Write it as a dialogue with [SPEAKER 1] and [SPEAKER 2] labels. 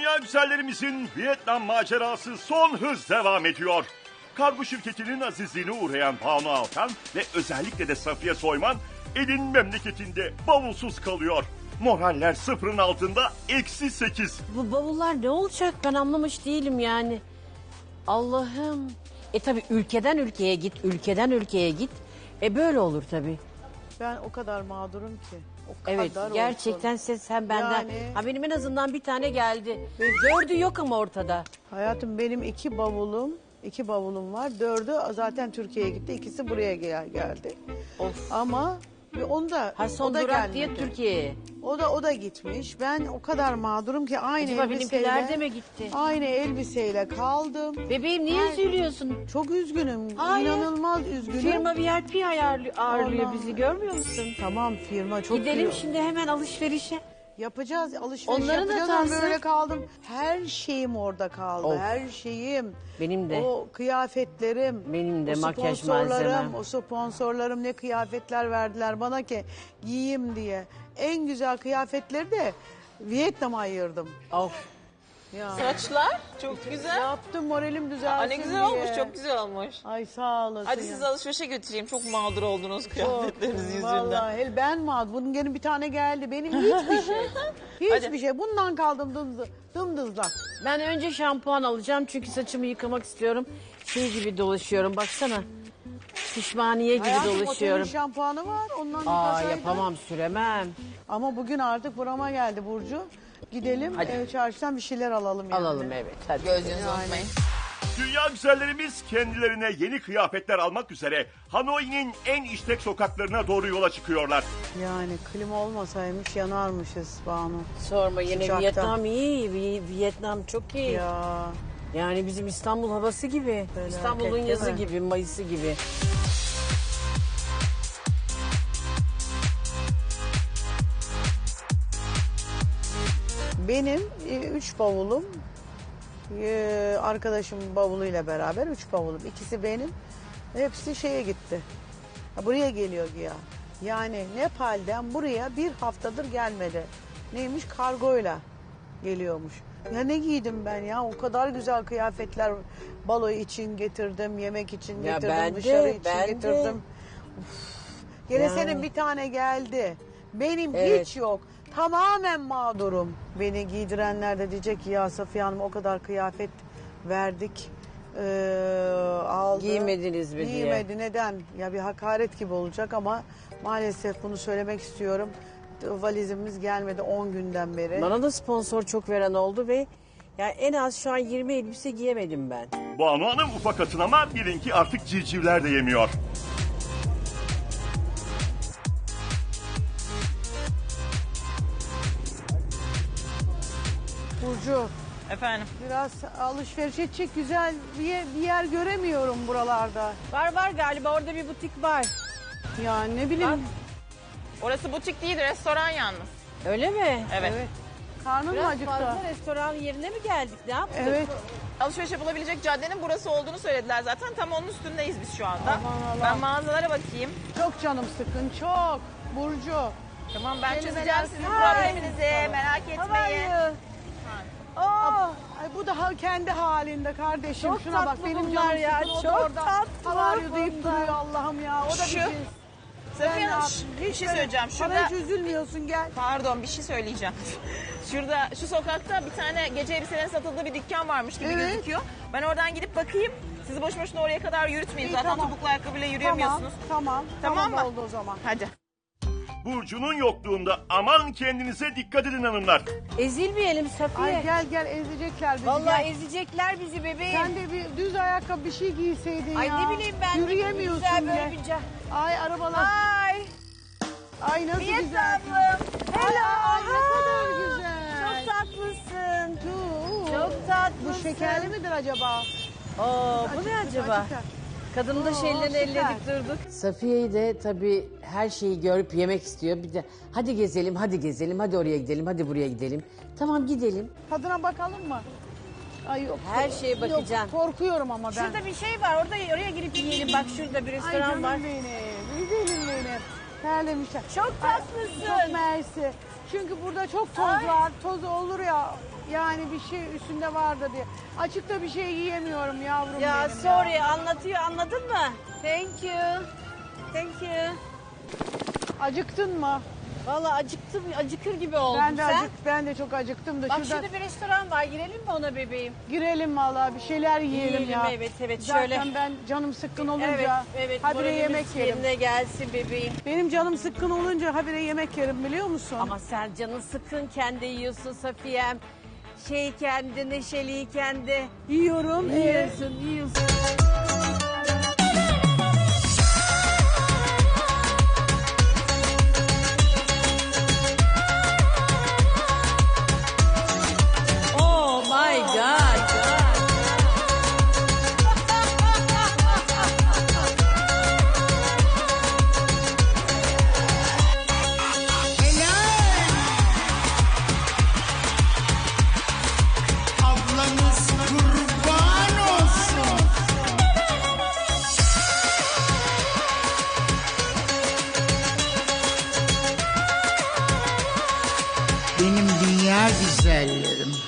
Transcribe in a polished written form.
[SPEAKER 1] Dünya güzellerimizin Vietnam macerası son hız devam ediyor. Kargo şirketinin azizliğine uğrayan Banu Alkan ve özellikle de Safiye Soyman elin memleketinde bavulsuz kalıyor. Moraller sıfırın altında -8.
[SPEAKER 2] Bu bavullar ne olacak ben anlamış değilim yani. Allah'ım. Tabii ülkeden ülkeye git, ülkeden ülkeye git. Böyle olur tabii.
[SPEAKER 3] Ben o kadar mağdurum ki. O kadar
[SPEAKER 2] Evet gerçekten sen benden.
[SPEAKER 3] Yani-
[SPEAKER 2] Ha benim en azından bir tane geldi. Dördü yok ama ortada.
[SPEAKER 3] Hayatım benim iki bavulum var. Dördü zaten Türkiye'ye gitti. İkisi buraya geldi.
[SPEAKER 2] Of.
[SPEAKER 3] Ama onu da
[SPEAKER 2] Ha son
[SPEAKER 3] o da
[SPEAKER 2] durak diye
[SPEAKER 3] gelmedi.
[SPEAKER 2] Türkiye'ye.
[SPEAKER 3] O da gitmiş. Ben o kadar mağdurum ki aynı
[SPEAKER 2] Acaba
[SPEAKER 3] elbiseyle.
[SPEAKER 2] benimkiler de mi gitti?
[SPEAKER 3] Aynı elbiseyle kaldım.
[SPEAKER 2] Bebeğim niye
[SPEAKER 3] Ay.
[SPEAKER 2] üzülüyorsun?
[SPEAKER 3] Çok üzgünüm.
[SPEAKER 2] Hayır.
[SPEAKER 3] İnanılmaz üzgünüm.
[SPEAKER 2] Firma VIP ağırlıyor
[SPEAKER 3] Allah.
[SPEAKER 2] bizi görmüyor musun?
[SPEAKER 3] Tamam firma çok
[SPEAKER 2] Gidelim
[SPEAKER 3] iyi.
[SPEAKER 2] şimdi hemen alışverişe.
[SPEAKER 3] Yapacağız alışveriş
[SPEAKER 2] Onların da
[SPEAKER 3] yapacağız ama
[SPEAKER 2] tanesi.
[SPEAKER 3] böyle kaldım. Her şeyim orada kaldı.
[SPEAKER 2] Of.
[SPEAKER 3] Her şeyim.
[SPEAKER 2] Benim de.
[SPEAKER 3] O kıyafetlerim.
[SPEAKER 2] Benim de
[SPEAKER 3] o
[SPEAKER 2] makyaj
[SPEAKER 3] sponsorlarım,
[SPEAKER 2] malzemem.
[SPEAKER 3] O sponsorlarım ne kıyafetler verdiler bana ki giyeyim diye. En güzel kıyafetleri de Vietnam'a ayırdım.
[SPEAKER 2] Of.
[SPEAKER 3] Ya.
[SPEAKER 4] Saçlar çok güzel.
[SPEAKER 3] Yaptım moralim düzelsin
[SPEAKER 4] Aa, ne güzel
[SPEAKER 3] diye.
[SPEAKER 4] olmuş, çok güzel olmuş.
[SPEAKER 3] Ay sağ olasın.
[SPEAKER 4] Hadi
[SPEAKER 3] ya.
[SPEAKER 4] sizi alışverişe götüreyim. Çok mağdur oldunuz kıyafetleriniz yüzünden.
[SPEAKER 3] Vallahi ben mağdur. Bunun gene bir tane geldi. Benim hiçbir şey. Hiçbir
[SPEAKER 4] Hadi.
[SPEAKER 3] şey. Bundan kaldım dımdızla.
[SPEAKER 2] Ben önce şampuan alacağım çünkü saçımı yıkamak istiyorum. Şey gibi dolaşıyorum baksana. Pişmaniye gibi
[SPEAKER 3] Hayatım otelin
[SPEAKER 2] dolaşıyorum.
[SPEAKER 3] şampuanı var. Ondan
[SPEAKER 2] Aa
[SPEAKER 3] yıkasaydın.
[SPEAKER 2] yapamam süremem.
[SPEAKER 3] Ama bugün artık burama geldi Burcu. Gidelim
[SPEAKER 2] Hadi.
[SPEAKER 3] Çarşıdan bir şeyler alalım yani.
[SPEAKER 2] Alalım evet hadi.
[SPEAKER 4] Gözünüzü unutmayın.
[SPEAKER 1] Dünya güzellerimiz kendilerine yeni kıyafetler almak üzere Hanoi'nin en işlek sokaklarına doğru yola çıkıyorlar.
[SPEAKER 3] Yani klima olmasaymış yanarmışız Banu.
[SPEAKER 2] Sorma yine
[SPEAKER 3] Sıcakta.
[SPEAKER 2] Vietnam iyi. Vietnam çok iyi.
[SPEAKER 3] Ya
[SPEAKER 2] Yani bizim İstanbul havası gibi.
[SPEAKER 3] Felaket,
[SPEAKER 2] İstanbul'un
[SPEAKER 3] değil
[SPEAKER 2] yazı
[SPEAKER 3] mi?
[SPEAKER 2] gibi, Mayıs'ı gibi.
[SPEAKER 3] benim 3 bavulum arkadaşımın bavuluyla beraber 3 bavulum. İkisi benim. Hepsi şeye gitti. Buraya geliyor ya. Yani Nepal'den buraya bir haftadır gelmedi. Neymiş? Kargoyla geliyormuş. Ya ne giydim ben ya? O kadar güzel kıyafetler balo için getirdim, yemek için
[SPEAKER 2] Ya
[SPEAKER 3] getirdim,
[SPEAKER 2] ben de,
[SPEAKER 3] dışarı için
[SPEAKER 2] ben de.
[SPEAKER 3] getirdim. Gene
[SPEAKER 2] Yani.
[SPEAKER 3] senin bir tane geldi. Benim
[SPEAKER 2] Evet.
[SPEAKER 3] hiç yok. Tamamen mağdurum. Beni giydirenler de diyecek ki ya Safiye Hanım o kadar kıyafet verdik. Aldı.
[SPEAKER 2] Giymediniz mi diye.
[SPEAKER 3] Giymedi. Neden? Ya bir hakaret gibi olacak ama maalesef bunu söylemek istiyorum. Valizimiz gelmedi 10 günden beri.
[SPEAKER 2] Bana da sponsor çok veren oldu ve yani en az şu an 20 elbise giyemedim ben.
[SPEAKER 1] Banu Hanım ufak atın ama bilin ki artık civcivler de yemiyor.
[SPEAKER 3] Burcu
[SPEAKER 4] Efendim.
[SPEAKER 3] biraz alışveriş edecek güzel bir yer göremiyorum buralarda.
[SPEAKER 2] Var galiba orada bir butik var.
[SPEAKER 3] Ya ne bileyim.
[SPEAKER 2] Bak.
[SPEAKER 4] Orası butik değil, restoran yalnız.
[SPEAKER 2] Öyle mi?
[SPEAKER 4] Evet.
[SPEAKER 3] Evet. Karnım mı
[SPEAKER 2] Biraz
[SPEAKER 3] acıktı?
[SPEAKER 2] fazla restoran yerine mi geldik ne yaptık?
[SPEAKER 3] Evet.
[SPEAKER 4] Alışveriş yapılabilecek caddenin burası olduğunu söylediler zaten. Tam onun üstündeyiz biz şu anda.
[SPEAKER 3] Aman Allah.
[SPEAKER 4] Ben mağazalara bakayım.
[SPEAKER 3] Çok canım sıkın çok. Burcu.
[SPEAKER 4] Tamam ben
[SPEAKER 3] Kelimeler
[SPEAKER 4] çözeceğim sizin
[SPEAKER 3] Hay.
[SPEAKER 4] probleminizi. Merak etmeyin.
[SPEAKER 3] Ay bu da kendi halinde kardeşim.
[SPEAKER 2] Çok
[SPEAKER 3] Şuna bak
[SPEAKER 2] tatlı
[SPEAKER 3] benim
[SPEAKER 2] bunlar
[SPEAKER 3] canım
[SPEAKER 2] ya,
[SPEAKER 3] sıkın. O da
[SPEAKER 2] çok
[SPEAKER 3] orada
[SPEAKER 2] tatlı
[SPEAKER 3] how are you deyip
[SPEAKER 2] bunlar.
[SPEAKER 3] duruyor Allah'ım ya. O da
[SPEAKER 4] Şu-
[SPEAKER 3] bir cins.
[SPEAKER 4] Safiye
[SPEAKER 3] Ben
[SPEAKER 4] Hanım
[SPEAKER 3] ne
[SPEAKER 4] bir şey
[SPEAKER 3] böyle-
[SPEAKER 4] söyleyeceğim.
[SPEAKER 3] Bana
[SPEAKER 4] Şurada
[SPEAKER 3] hiç üzülmüyorsun gel.
[SPEAKER 4] pardon bir şey söyleyeceğim. Şurada şu sokakta bir tane gece elbiselerin satıldığı bir dükkan varmış gibi
[SPEAKER 3] Evet.
[SPEAKER 4] gözüküyor. Ben oradan gidip bakayım. Sizi boş boşuna oraya kadar yürütmeyin.
[SPEAKER 3] İyi,
[SPEAKER 4] Zaten
[SPEAKER 3] tamam.
[SPEAKER 4] topuklu ayakkabıyla yürüyemiyorsunuz.
[SPEAKER 3] Tamam.
[SPEAKER 4] Tamam mı?
[SPEAKER 3] oldu o zaman.
[SPEAKER 4] Hadi.
[SPEAKER 1] Burcu'nun yokluğunda aman kendinize dikkat edin hanımlar.
[SPEAKER 2] Ezilmeyelim Safiye.
[SPEAKER 3] Ay gel ezecekler bizi.
[SPEAKER 2] Vallahi
[SPEAKER 3] gel.
[SPEAKER 2] ezecekler bizi bebeğim.
[SPEAKER 3] Sen de bir düz ayakkabı bir şey giyseydin
[SPEAKER 2] Ay
[SPEAKER 3] ya.
[SPEAKER 2] ne bileyim ben.
[SPEAKER 3] Yürüyemiyorsun
[SPEAKER 2] Güzel
[SPEAKER 3] bile.
[SPEAKER 2] böyle bir
[SPEAKER 3] Ay arabalar.
[SPEAKER 2] Ay.
[SPEAKER 3] Ay nasıl güzel.
[SPEAKER 2] Vietnamlım.
[SPEAKER 3] Ay, ay, ne kadar
[SPEAKER 2] Aa,
[SPEAKER 3] güzel.
[SPEAKER 2] Çok tatlısın.
[SPEAKER 3] Dur.
[SPEAKER 2] Çok tatlısın.
[SPEAKER 3] Bu şekerli midir acaba?
[SPEAKER 2] Bu ne acaba? Kadının da şeylerini
[SPEAKER 3] süper.
[SPEAKER 2] elledik durduk. Safiye'yi de tabii her şeyi görüp yemek istiyor. Bir de hadi gezelim, hadi gezelim, hadi oraya gidelim, hadi buraya gidelim. Tamam gidelim.
[SPEAKER 3] Tadına bakalım mı? Ay yok.
[SPEAKER 2] Her şeye bakacağım.
[SPEAKER 3] Yok, korkuyorum ama ben.
[SPEAKER 2] Şurada bir şey var, oraya girip yiyelim. Bak şurada bir
[SPEAKER 3] Ay
[SPEAKER 2] restoran
[SPEAKER 3] canım
[SPEAKER 2] var.
[SPEAKER 3] benim. Güzelim benim. Terlemişler.
[SPEAKER 2] Çok
[SPEAKER 3] Ay,
[SPEAKER 2] tatlısın.
[SPEAKER 3] Çok mersi. Çünkü burada çok toz var. Toz olur ya. yani bir şey üstünde vardı diye. Açıkta bir şey yiyemiyorum yavrum
[SPEAKER 2] Ya
[SPEAKER 3] benim.
[SPEAKER 2] sorry anlatıyor anladın mı? Thank you. Thank you.
[SPEAKER 3] Acıktın mı?
[SPEAKER 2] Vallahi acıktım acıkır gibi oldum. Sen?
[SPEAKER 3] Ben de çok acıktım da
[SPEAKER 2] Bak
[SPEAKER 3] şurada
[SPEAKER 2] şurada bir restoran var girelim mi ona bebeğim?
[SPEAKER 3] girelim vallahi bir şeyler yiyelim
[SPEAKER 2] Yiyelim,
[SPEAKER 3] ya.
[SPEAKER 2] evet,
[SPEAKER 3] Zaten
[SPEAKER 2] şöyle.
[SPEAKER 3] ben canım sıkkın olunca
[SPEAKER 2] Evet
[SPEAKER 3] habire
[SPEAKER 2] moralimiz
[SPEAKER 3] yemek yerim.
[SPEAKER 2] yerine gelsin bebeğim.
[SPEAKER 3] Benim canım sıkkın olunca habire yemek yerim biliyor musun?
[SPEAKER 2] Ama sen canın sıkınken de yiyorsun Safiyem. Şeyken de neşeliyken de
[SPEAKER 3] yiyorum.
[SPEAKER 2] yiyorsun. Oh my God.
[SPEAKER 5] Ablanız kurban olsun. Benim dünya güzellerim.